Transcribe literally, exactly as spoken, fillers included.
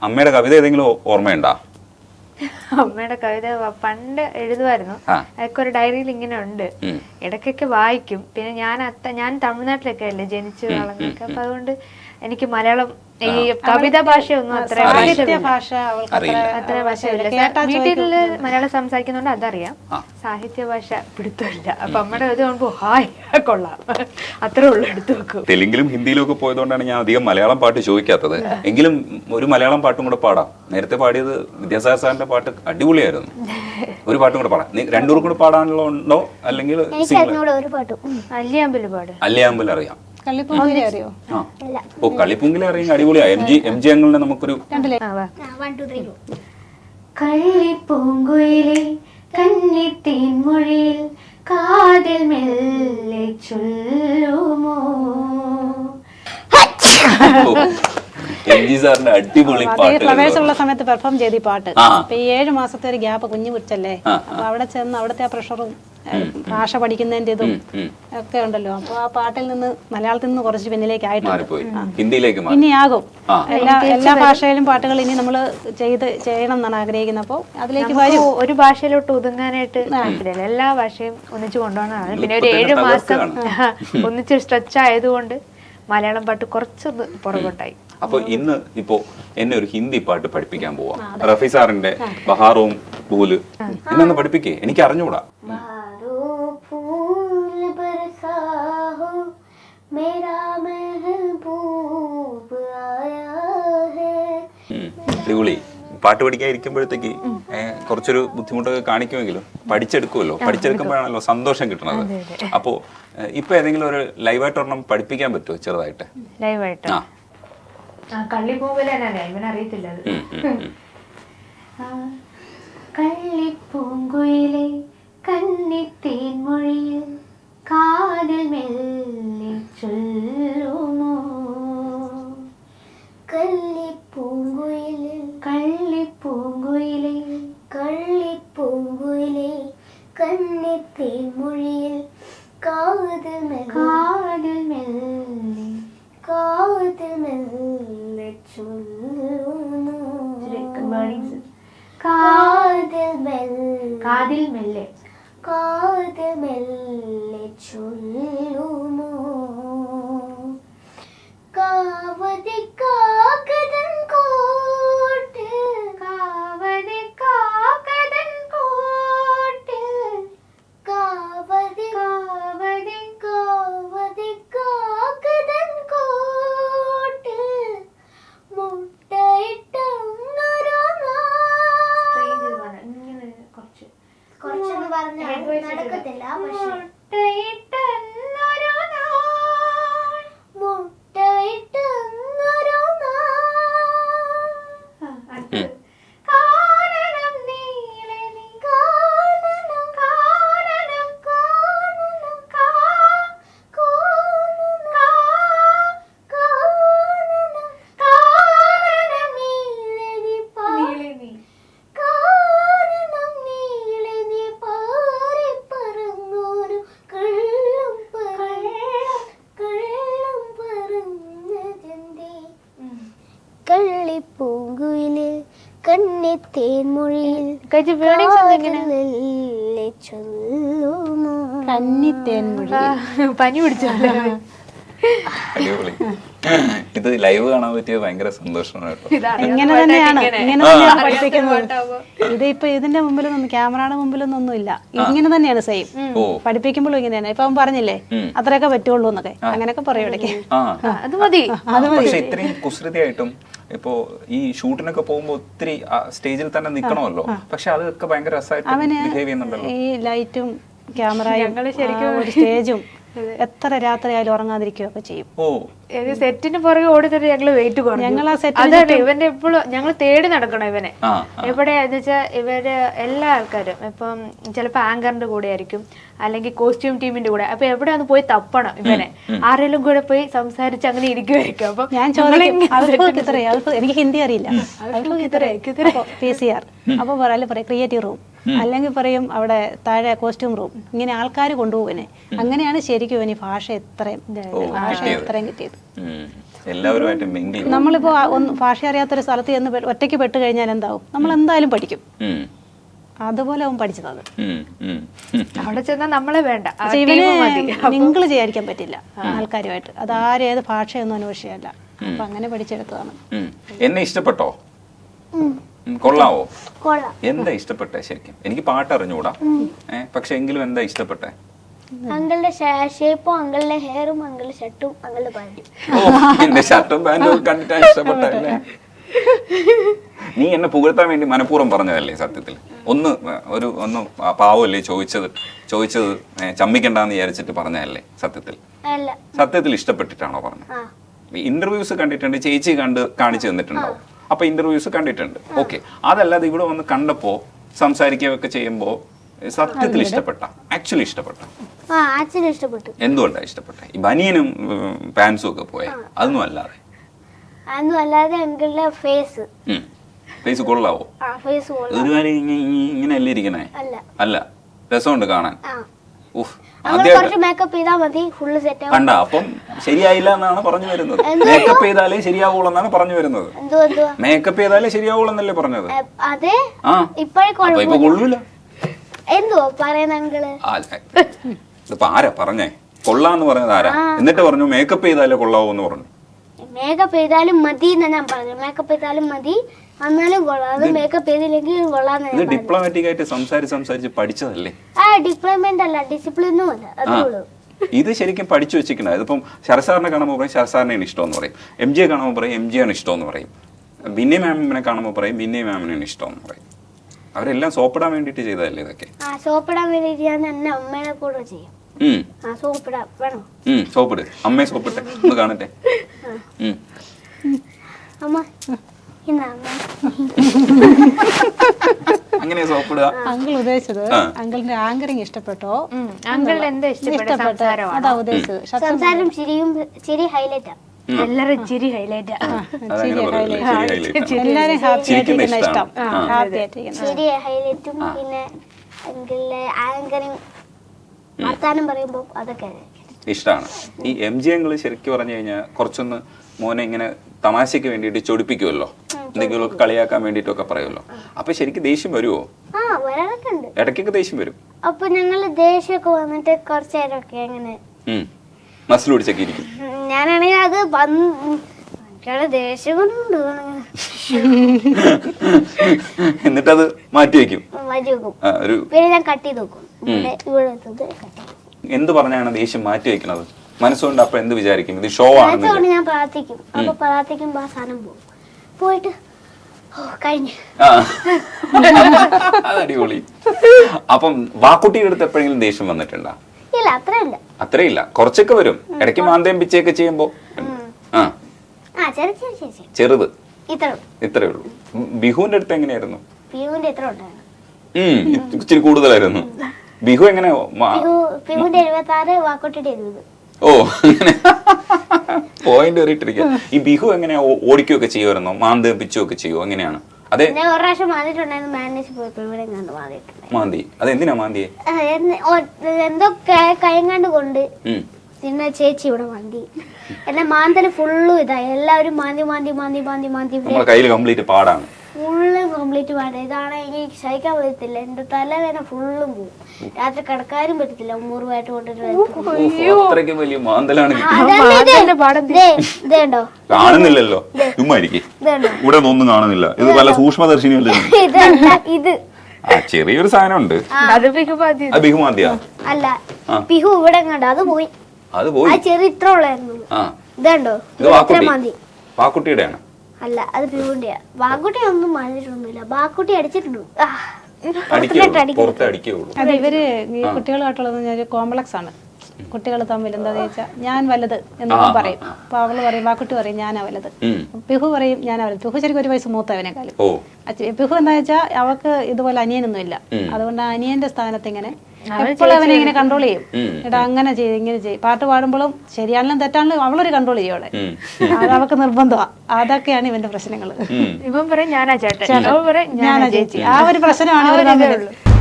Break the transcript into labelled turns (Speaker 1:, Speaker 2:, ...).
Speaker 1: അമ്മയുടെ കവിത ഏതെങ്കിലും ഓർമ്മയുണ്ടോ?
Speaker 2: അമ്മയുടെ കവിത പണ്ട് എഴുതുമായിരുന്നു. അതൊക്കെ ഒരു ഡയറിയിൽ ഇങ്ങനെ ഉണ്ട്. ഇടയ്ക്കൊക്കെ വായിക്കും. പിന്നെ ഞാൻ അത്ത ഞാൻ തമിഴ്നാട്ടിലൊക്കെ അല്ലേ ജനിച്ചു വളർന്നൊക്കെ, അപ്പൊ അതുകൊണ്ട് എനിക്ക് മലയാളം ഈ കവിതാ ഭാഷയൊന്നും അത്ര
Speaker 3: ഭാഷ
Speaker 2: അത്ര ഭാഷയില്ല. വീട്ടില് മലയാളം സംസാരിക്കുന്നോണ്ട് അതറിയാം, സാഹിത്യ ഭാഷ പിടുത്തമില്ല. അപ്പൊ അമ്മയുടെ ഇത് കാണുമ്പോ ഹായ് കൊള്ളാം, അത്രേ ഉള്ളു, എടുത്തു വെക്കും.
Speaker 1: തെലുങ്കിലും ഹിന്ദിയിലും ഒക്കെ പോയതുകൊണ്ടാണ് ഞാൻ അധികം മലയാളം പാട്ട് ചോദിക്കാത്തത്. എങ്കിലും ഒരു മലയാളം പാട്ടും കൂടെ പാടാം. നേരത്തെ പാടിയത് വിദ്യാസാഗർ സാറിന്റെ പാട്ട് അടിപൊളിയായിരുന്നു. ഒരു പാട്ടും കൂടെ പാടാം. രണ്ടൂർ കൂടെ പാടാനുള്ള ഉണ്ടോ? അല്ലെങ്കിൽ
Speaker 2: അല്ലിയാമ്പല് പാട്.
Speaker 1: അല്ലിയാമ്പൽ അറിയാം.
Speaker 3: അറിയോ?
Speaker 1: ഓ, കളിപ്പുങ്കിലെ അറിയാം. അടിപൊളിയാ. എം ജി എം ജി അങ്ങളുടെ നമുക്കൊരു
Speaker 2: കളിപ്പൂങ്കുയിലെ കന്നിത്തേൻ മൊഴിയിൽ കാതിൽ മെല്ലെ ചൊല്ലുമോ.
Speaker 1: എം ജി സാറിന്റെ അടിപൊളി പാട്ട്.
Speaker 3: ഫ്ലവേഴ്സുള്ള സമയത്ത് പെർഫോം ചെയ്ത് ഈ പാട്ട്. അപ്പൊ ഈ ഏഴു മാസത്തെ ഒരു ഗ്യാപ്പ് കുഞ്ഞു കുറിച്ചല്ലേ, അപ്പൊ അവിടെ ചെന്ന് അവിടുത്തെ ആ പ്രഷറും ഭാഷ പഠിക്കുന്നതിന്റെ ഇതും ഒക്കെ ഉണ്ടല്ലോ. അപ്പൊ ആ പാട്ടിൽ നിന്ന് മലയാളത്തിൽ നിന്ന് കുറച്ച് പിന്നിലേക്ക് ആയിട്ടുണ്ട്. ഇനി ആകും. എല്ലാ എല്ലാ ഭാഷയിലും പാട്ടുകൾ ഇനി നമ്മൾ ചെയ്ത് ചെയ്യണം എന്നാണ് ആഗ്രഹിക്കുന്നത്. അപ്പോൾ അതിലേക്ക് വരും.
Speaker 2: ഒരു ഭാഷയിലോട്ട് ഒതുങ്ങാനായിട്ട് താല്പര്യമില്ല, എല്ലാ ഭാഷയും ഒന്നിച്ചു കൊണ്ടുപോകണതാണ്. പിന്നെ ഒരു ഏഴു മാസം ഒന്നിച്ച് സ്ട്രെച്ച് ആയതുകൊണ്ട് മലയാളം പാട്ട് കുറച്ചൊന്ന് പുറകോട്ടായി.
Speaker 1: അപ്പൊ ഇന്ന് ഇപ്പോ എന്നെ ഒരു ഹിന്ദി പാട്ട് പഠിപ്പിക്കാൻ പോവാ. റഫി സാറിന്റെ ബഹാറും പൂല് എന്നൊന്ന് പഠിപ്പിക്കേ. എനിക്ക് അറിഞ്ഞൂടാ. അടിപൊളി. പാട്ട് പഠിക്കാൻ ഇരിക്കുമ്പോഴത്തേക്ക് കുറച്ചൊരു ബുദ്ധിമുട്ടൊക്കെ കാണിക്കുമെങ്കിലും പഠിച്ചെടുക്കുമല്ലോ. പഠിച്ചെടുക്കുമ്പോഴാണല്ലോ സന്തോഷം കിട്ടുന്നത്. അപ്പോ ഇപ്പൊ ഏതെങ്കിലും ഒരു ലൈവായിട്ട് ഒരെണ്ണം പഠിപ്പിക്കാൻ പറ്റുമോ ചെറുതായിട്ട്?
Speaker 2: ലൈവായിട്ട് കള്ളിപ്പൂങ്കുയിലെ കള്ളിപ്പൂങ്കുയിലെ കന്നിത്തേൻ മൊഴിയിൽ കാതിൽ മെല്ലെ ചൊല്ലുമോ. കള്ളിപ്പൂങ്കുയിലെ കള്ളിപ്പൂങ്കുയിലെ കള്ളിപ്പൂങ്കുയിലെ കന്നിത്തേൻ മൊഴിയിൽ കാതിൽ മെല്ലെ കാതിൽ മെല്ലെ കാതിൽ മെല്ലെ ചൊല്ലുമോ. കാതിൽ മെല്ലെ കാതിൽ മെല്ലെ കാതിൽ മെല്ലെ ചൊല്ലുമോ. കാവതി കാക്കതൻ കോട്ട് കാവതി കാക്കതൻ കോട്ട് കാവതി കാവതി കാവതി കാക്കതൻ കോട്ട് മുട്ടയിട്ടൊന്നൊരു ഇങ്ങനെ കുറച്ച് കുറച്ചെന്ന് പറഞ്ഞാൽ നടക്കത്തില്ല. മുട്ടയിട്ടൊന്നൊരു നാൾ മുട്ടയിട്ടൊന്നൊരു നാൾ കാനനം നീളെ നീ കാനനം കാനനം കാനനം കാ കാനനം കാ കാനനം കാനനം നീളെ നീ പാ നീളെ നീ കാനനം നീളെ നീ പാറി പറന്നൊരു കള്ളം പറയണം കള്ളം പറഞ്ഞതെന്തേ. കള്ളിപ്പൂങ്കുയിലെ കന്നിത്തേൻ മൊഴിയിൽ ചൊല്ലുമോ.
Speaker 3: കന്നിത്തേൻ മൊഴി
Speaker 2: പനി പിടിച്ചല്ലേ.
Speaker 1: അടിപൊളി. ഇത് ലൈവ് കാണാൻ പറ്റിയത് ഭയങ്കര സന്തോഷമാണ് കേട്ടോ.
Speaker 3: ഇങ്ങനെ തന്നെയാണ് ഇങ്ങനെ തന്നെയാണ് പഠിപ്പിക്കുന്നത്. ഇത് ഇപ്പൊ ഇതിന്റെ മുമ്പിലൊന്നും ക്യാമറയുടെ മുമ്പിലൊന്നും ഒന്നുമില്ല. ഇങ്ങനെ തന്നെയാണ് സെയിം പഠിപ്പിക്കുമ്പോഴും ഇങ്ങനെയാണ്. ഇപ്പൊ അവൻ പറഞ്ഞില്ലേ അത്രയൊക്കെ പറ്റുള്ളൂ എന്നൊക്കെ, അങ്ങനെയൊക്കെ പറയും ഇടയ്ക്ക്.
Speaker 2: അത് മതി.
Speaker 1: പക്ഷെ ഇത്രയും കുസൃതിയായിട്ടും ഇപ്പോ ഈ ഷൂട്ടിനൊക്കെ പോകുമ്പോ ഒത്തിരി സ്റ്റേജിൽ തന്നെ നിക്കണമല്ലോ. പക്ഷെ അതൊക്കെ ഭയങ്കര രസമായിട്ട് ബിഹേവ് ചെയ്യുന്നുണ്ടല്ലോ.
Speaker 3: ഈ ലൈറ്റും ക്യാമറയും സ്റ്റേജും എത്ര രാത്രി ആയാലും ഉറങ്ങാതിരിക്കുകയൊക്കെ ചെയ്യും.
Speaker 1: ഓ,
Speaker 2: സെറ്റിന് പുറകെ ഓടിത്തരും. ഞങ്ങള് വെയിറ്റ് കുറഞ്ഞു.
Speaker 3: ഞങ്ങൾ ആ
Speaker 2: അതാണ് ഇവന്റെ എപ്പോഴും ഞങ്ങൾ തേടി നടക്കണം ഇവനെ. എവിടെയാന്ന് വെച്ചാൽ ഇവര് എല്ലാ ആൾക്കാരും ഇപ്പം ചിലപ്പോ ആങ്കറിന്റെ കൂടെ ആയിരിക്കും, അല്ലെങ്കിൽ കോസ്റ്റ്യൂം ടീമിന്റെ കൂടെ. അപ്പൊ എവിടെ ഒന്ന് പോയി തപ്പണം ഇവനെ. ആരെങ്കിലും കൂടെ പോയി സംസാരിച്ച് അങ്ങനെ ഇരിക്കുമായിരിക്കും. അപ്പൊ
Speaker 3: ഞാൻ ചോദിക്കും എനിക്ക് ഹിന്ദി അറിയില്ല, പി സി ആർ അപ്പൊ പറയാം പറയും ക്രിയേറ്റീവ് റൂം, അല്ലെങ്കിൽ പറയും അവിടെ താഴെ കോസ്റ്റ്യൂം റൂം. ഇങ്ങനെ ആൾക്കാർ കൊണ്ടുപോകുവനെ. അങ്ങനെയാണ് ശരിക്കും ഇവന് ഭാഷ എത്രയും ഭാഷ എത്രയും കിട്ടിയത്.
Speaker 1: എല്ലാവരുമായിട്ട് മിങ്കിൾ.
Speaker 3: നമ്മളിപ്പോ ആ ഒന്ന് ഭാഷ അറിയാത്തൊരു സ്ഥലത്ത് ചെന്ന് പെ- ഒറ്റയ്ക്ക് പെട്ട് കഴിഞ്ഞാൽ എന്താവും, നമ്മൾ എന്തായാലും പഠിക്കും. അതുപോലെ അവൻ പഠിച്ചത്.
Speaker 2: അവിടെ ചെന്നാൽ നമ്മളെ വേണ്ട, ആ
Speaker 3: പക്ഷെ
Speaker 2: team
Speaker 3: ഇവന്
Speaker 2: മതി.
Speaker 3: മിങ്കിൾ ചെയ്യാതിരിക്കാൻ പറ്റില്ല ആൾക്കാരുമായിട്ട്. അത് ആരും ഏത് ഭാഷയൊന്നും അന്വേഷിച്ചല്ല. അപ്പൊ അങ്ങനെ പഠിച്ചെടുത്തതാണ്.
Speaker 1: എന്നെ ഇഷ്ടപ്പെട്ടോ? ഉം, കൊള്ളാവോ?
Speaker 4: കൊള്ളാം.
Speaker 1: എന്താ ഇഷ്ടപ്പെട്ടെ ശരിക്കും? എനിക്ക് പാട്ട് അറിഞ്ഞൂടാ, ഏഹ് പക്ഷെ എങ്കിലും എന്താ ഇഷ്ടപ്പെട്ടെ?
Speaker 4: അങ്കിളുടെ ഷേപ്പും അങ്കിളുടെ ഹെയറും അങ്കിളുടെ ഷർട്ടും അങ്കിളുടെ പാൻറ്റും.
Speaker 1: ഓ, എന്റെ ഷർട്ടും പാന്റും കണ്ടിട്ടാണ് ഇഷ്ടപ്പെട്ടല്ലേ? നീ എന്നെ പുകഴ്ത്താൻ വേണ്ടി മനഃപൂർവ്വം പറഞ്ഞതല്ലേ സത്യത്തിൽ? ഒന്ന് ഒരു ഒന്ന് പാവല്ലേ ചോദിച്ചത് ചോദിച്ചത് ചമ്മിക്കണ്ടെന്ന് വിചാരിച്ചിട്ട് പറഞ്ഞതല്ലേ സത്യത്തിൽ?
Speaker 4: അല്ല.
Speaker 1: സത്യത്തിൽ ഇഷ്ടപ്പെട്ടിട്ടാണോ പറഞ്ഞത്? ഇന്റർവ്യൂസ് കണ്ടിട്ടുണ്ട്, ചേച്ചി കണ്ട് കാണിച്ചു തന്നിട്ടുണ്ടാവും. അപ്പൊ ഇന്റർവ്യൂസ് കണ്ടിട്ടുണ്ട്, ഓക്കെ. അതല്ലാതെ ഇവിടെ വന്ന് കണ്ടപ്പോ സംസാരിക്കുകയൊക്കെ ചെയ്യുമ്പോ സത്യത്തിൽ ഇഷ്ടപ്പെട്ട, ആക്ച്വലി ഇഷ്ടപ്പെട്ട?
Speaker 4: ആ ആക്ച്വലി ഇഷ്ടപ്പെട്ടു.
Speaker 1: എന്തുകൊണ്ടാണ് ഇഷ്ടപ്പെട്ടെ? ഈ ബനിയനും പാൻസും ഒക്കെ പോയ അതൊന്നും അല്ലാതെ?
Speaker 4: അതൊന്നും അല്ലാതെ അങ്കിളുടെ ഫേസ്.
Speaker 1: ഫേസ് കൊള്ളാവോ?
Speaker 4: ആ ഫേസ് കൊള്ളാം.
Speaker 1: ഒരുപാട് ഇങ്ങനെ അല്ലേ ഇരിക്കണേ?
Speaker 4: അല്ല.
Speaker 1: അല്ല, രസമുണ്ട് കാണാൻ.
Speaker 4: ആ
Speaker 1: ഉഫ്,
Speaker 4: അങ്കിൾ കുറച്ച് മേക്കപ്പ് ചെയ്താൽ മതി, ഫുള്ള് സെറ്റ് ആവും.
Speaker 1: കണ്ട, അപ്പം ശരിയായില്ല എന്നാണ് പറഞ്ഞു വരുന്നത്. മേക്കപ്പ് ചെയ്താലേ ശരിയാവുള്ളൂ എന്നാണ് പറഞ്ഞു വരുന്നത്.
Speaker 4: എന്തോ എന്തോ
Speaker 1: മേക്കപ്പ് ചെയ്താലേ ശരിയാവുള്ളൂ എന്നല്ലേ പറഞ്ഞത്?
Speaker 4: അതെ.
Speaker 1: ആ
Speaker 4: ഇപ്പഴേ
Speaker 1: അപ്പൊ ഇപ്പൊ കൊള്ളൂല.
Speaker 4: എന്തുവാ പറയുന്ന അങ്കിള്?
Speaker 1: ഇതിപ്പോ ആരാ പറഞ്ഞേ കൊള്ളാന്ന് പറഞ്ഞത്? ആരാ? എന്നിട്ട് പറഞ്ഞു മേക്കപ്പ് ചെയ്താലേ കൊള്ളാവൂ എന്ന് പറഞ്ഞു.
Speaker 4: മേക്കപ്പ് ചെയ്താലും മതി എന്നാ ഞാൻ പറഞ്ഞു. മേക്കപ്പ് ചെയ്താലും മതി, എന്നാലും കൊള്ളാം. അത് മേക്കപ്പ് ചെയ്തില്ലെങ്കിൽ കൊള്ളാന്ന്.
Speaker 1: ഇത് ഡിപ്ലോമാറ്റിക് ആയിട്ട് സംസാരിച്ച് സംസാരിച്ച് പഠിച്ചതല്ലേ?
Speaker 4: ആ ഡിപ്ലോയ്മെന്റ് അല്ല, ഡിസിപ്ലിനും അല്ല. അതുള്ളൂ.
Speaker 1: ഇത് ശരിക്കും പഠിച്ചു വെച്ചിരിക്കണം. ഇതിപ്പം ശരസാറിനെ കാണുമ്പോൾ പറയും ശരസാറിനെയാണ് ഇഷ്ടമെന്ന് പറയും, എം ജിയെ കാണുമ്പോൾ പറയും എം ജിയാണ് ഇഷ്ടമെന്ന് പറയും, ബിന്നി മാമിനെ കാണുമ്പോൾ പറയും ബിന്നി മാമിനെയാണ് ഇഷ്ടമെന്ന് പറയും. അവരെല്ലാം സോപ്പിടാൻ വേണ്ടിയിട്ട് ചെയ്തതല്ലേ ഇതൊക്കെ?
Speaker 4: ആ സോപ്പിടാൻ വേണ്ടിട്ട് ഞാൻ എന്നെ അമ്മേനെ കൂടെ ചെയ്യും. ആ സോപ്പിടാൻ വേണോ?
Speaker 1: സോപ്പിട്, അമ്മയെ സോപ്പിട്ടെ ഒന്ന് കാണട്ടെ.
Speaker 4: അമ്മ ഇന്നാ അമ്മ
Speaker 1: അങ്ങനെ സോപ്പിടുക.
Speaker 3: അങ്കിൾ ഉദ്ദേശിച്ചത് അങ്കിളിന്റെ ആങ്കറിങ് ഇഷ്ടപ്പെട്ടോ?
Speaker 2: അങ്കിളിന് എന്താ ഇഷ്ടപ്പെട്ട സംസാരമാണ്?
Speaker 3: അതാ ഉദ്ദേശിച്ചത്.
Speaker 4: സംസാരം ചിരിയും ചിരി ഹൈലൈറ്റാ.
Speaker 2: എല്ലാരും ചിരി ഹൈലൈറ്റാ.
Speaker 3: എല്ലാരും ഹാപ്പി ആയിട്ടിരിക്കുന്ന ഇഷ്ടം. ഹാപ്പി ആയിട്ടിരിക്കുന്ന
Speaker 4: ചിരി ഹൈലൈറ്റും പിന്നെ അങ്കിളിലെ ആങ്കറിങ് വർത്താനം പറയുമ്പോ അതൊക്കെ
Speaker 1: ഇഷ്ടമാണ്. ഈ എം ജി അങ്കിള് ശരിക്കും പറഞ്ഞു കഴിഞ്ഞാൽ കുറച്ചൊന്ന് മോനെ ഇങ്ങനെ തമാശയ്ക്ക് വേണ്ടിയിട്ട് ചൊടിപ്പിക്കുമല്ലോ, എന്തെങ്കിലും കളിയാക്കാൻ വേണ്ടിയിട്ടൊക്കെ പറയുമല്ലോ. അപ്പൊ ശരിക്കും ദേഷ്യം വരുമോ?
Speaker 4: ആ വരാനൊക്കെ ഉണ്ട്,
Speaker 1: ഇടയ്ക്കൊക്കെ ദേഷ്യം വരും.
Speaker 4: അപ്പൊ ഞങ്ങള് ദേഷ്യമൊക്കെ വന്നിട്ട് കുറച്ചു നേരമൊക്കെ അങ്ങനെ
Speaker 1: മസിൽ പിടിച്ചൊക്കെ ഇരിക്കും.
Speaker 4: ഞാനാണെങ്കിൽ അത് ദേഷ്യം കൊണ്ടുണ്ട്
Speaker 1: എന്നിട്ടത് മാറ്റി വെക്കും.
Speaker 4: മാറ്റി വെക്കും. പിന്നെ ഞാൻ കട്ട് ചെയ്ത് വെക്കും. ഇവിടെ
Speaker 1: എന്ത് പറഞ്ഞാണ് ദേഷ്യം മാറ്റി വെക്കുന്നത്? മനസ്സുകൊണ്ട് അപ്പൊ എന്ത് വിചാരിക്കും? ഇത് ഷോ ആണ്.
Speaker 4: ഞാൻ പ്രാർത്ഥിക്കും. അപ്പൊ പ്രാർത്ഥിക്കുമ്പോ ആ സാധനം പോകും. പോയിട്ട് കഴിഞ്ഞു.
Speaker 1: അതടിപൊളി. അപ്പം വാക്കുട്ടിയുടെ അടുത്ത് എപ്പോഴെങ്കിലും ദേഷ്യം വന്നിട്ടുണ്ടോ?
Speaker 4: ഇല്ല, അത്രയില്ല.
Speaker 1: അത്രയില്ല, കുറച്ചൊക്കെ വരും. ഇടയ്ക്ക് മാന്തയും പിച്ചയൊക്കെ ചെയ്യുമ്പോ ചെറുത് ഇത്രേ ഉള്ളൂ. ബിഹുവിന്റെ അടുത്ത് എങ്ങനെയായിരുന്നു?
Speaker 4: ബിഹുവിന്റെ എത്ര ഉണ്ടായിരുന്നു?
Speaker 1: ഇച്ചിരി കൂടുതലായിരുന്നു. ബിഹു എങ്ങനെ?
Speaker 4: ബിഹുവിന്റെ എഴുപത്തി ആറ്, വാക്കോട്ടിയുടെ എഴുപത്.
Speaker 1: ഓ, അങ്ങനെ പോയിന്റ് കയറിയിട്ടിരിക്കുക. ഈ ബിഹു എങ്ങനെ ഓടിക്കുകയൊക്കെ ചെയ്യുമായിരുന്നോ? മാന്തയും പിച്ചുമൊക്കെ ചെയ്യുമോ? എങ്ങനെയാണ്? അതെ,
Speaker 4: ഞാൻ ഒരു പ്രാവശ്യം മാന്തിട്ടുണ്ടായിരുന്നു. മാനേജ് പോയപ്പോ ഇവിടെ മാന്തിട്ടുണ്ട്.
Speaker 1: മാന്തി? അതെന്തിനാ മാന്തിയെ?
Speaker 4: എന്തോ കൈങ്ങാണ്ട് കൊണ്ട് പിന്നെ ചേച്ചി ഇവിടെ മാന്തി. എന്നെ മാന്തല് ഫുള്ളും ഇതായി. എല്ലാവരും മാന്തി മാന്തി മാന്തി മാന്തി മാന്തി
Speaker 1: നമ്മുടെ കയ്യിൽ കംപ്ലീറ്റ് പാടാണ്.
Speaker 4: ഫുള്ള് കംപ്ലീറ്റ് പാടാ. ഇതാണ് എനിക്ക് സഹിക്കാൻ പറ്റത്തില്ല. എന്റെ തലവേദന ഫുള്ളും പോകും. രാത്രി കിടക്കാനും പറ്റത്തില്ല. മുറിവായിട്ട്
Speaker 1: കൊണ്ടിട്ട് വലിയ മാന്തലാണ്.
Speaker 4: ഇതേണ്ടോ?
Speaker 1: കാണുന്നില്ലല്ലോ, ഇവിടെ ഒന്നും കാണുന്നില്ല. ഇത് പല സൂക്ഷ്മദർശിനിയല്ലേ?
Speaker 4: ഇത്
Speaker 1: ചെറിയൊരു സാധനം ഉണ്ട്. ബിഹുമാന്തിയാ?
Speaker 4: അല്ല, ബിഹു ഇവിടെ കണ്ട അത് പോയി.
Speaker 1: അത് പോയി.
Speaker 4: ചെറിയ ഇത്ര ഉള്ളായിരുന്നു. ഇതുണ്ടോ?
Speaker 1: വാക്കുട്ടിയുടെയാണ്?
Speaker 4: അല്ല, അത് ബിഹുവിന്റെയാ. വാക്കുട്ടി ഒന്നും മാറിയിട്ടൊന്നുമില്ല. വാക്കുട്ടി അടിച്ചിട്ടുണ്ട്.
Speaker 3: അത് ഇവര് ഈ കുട്ടികളുമായിട്ടുള്ളത് കോംപ്ലക്സ് ആണ്. കുട്ടികൾ തമ്മിൽ എന്താ ചോദിച്ചാൽ ഞാൻ വലുത് എന്നൊക്കെ പറയും. അപ്പൊ അവള് പറയും, വാക്കുട്ടി പറയും ഞാനാ വലുത്. പിഹു പറയും ഞാനാ വലുത്. പിഹു ശരിക്കും ഒരു വയസ്സ് മൂത്തവനെക്കാളും. പിഹു എന്താ വെച്ചാൽ അവൾക്ക് ഇതുപോലെ അനിയനൊന്നും ഇല്ല. അതുകൊണ്ട് അനിയന്റെ സ്ഥാനത്ത് ഇങ്ങനെ എപ്പോഴും അവനെ ഇങ്ങനെ കൺട്രോൾ ചെയ്യും. എടാ അങ്ങനെ ചെയ്യും ഇങ്ങനെ ചെയ്യും. പാട്ട് പാടുമ്പോഴും ശരിയാണെങ്കിലും തെറ്റാണെങ്കിലും അവളൊരു കൺട്രോൾ ചെയ്യും അവളെ. അത് അവൾക്ക് നിർബന്ധമാണ്. അതൊക്കെയാണ് ഇവന്റെ പ്രശ്നങ്ങൾ.
Speaker 2: ഇവൻ പറയും ഞാനാ ചേട്ടൻ,
Speaker 3: ഞാനാ ചേച്ചി. ആ ഒരു പ്രശ്നമാണ് ഇവർ തമ്മിലുള്ളത്.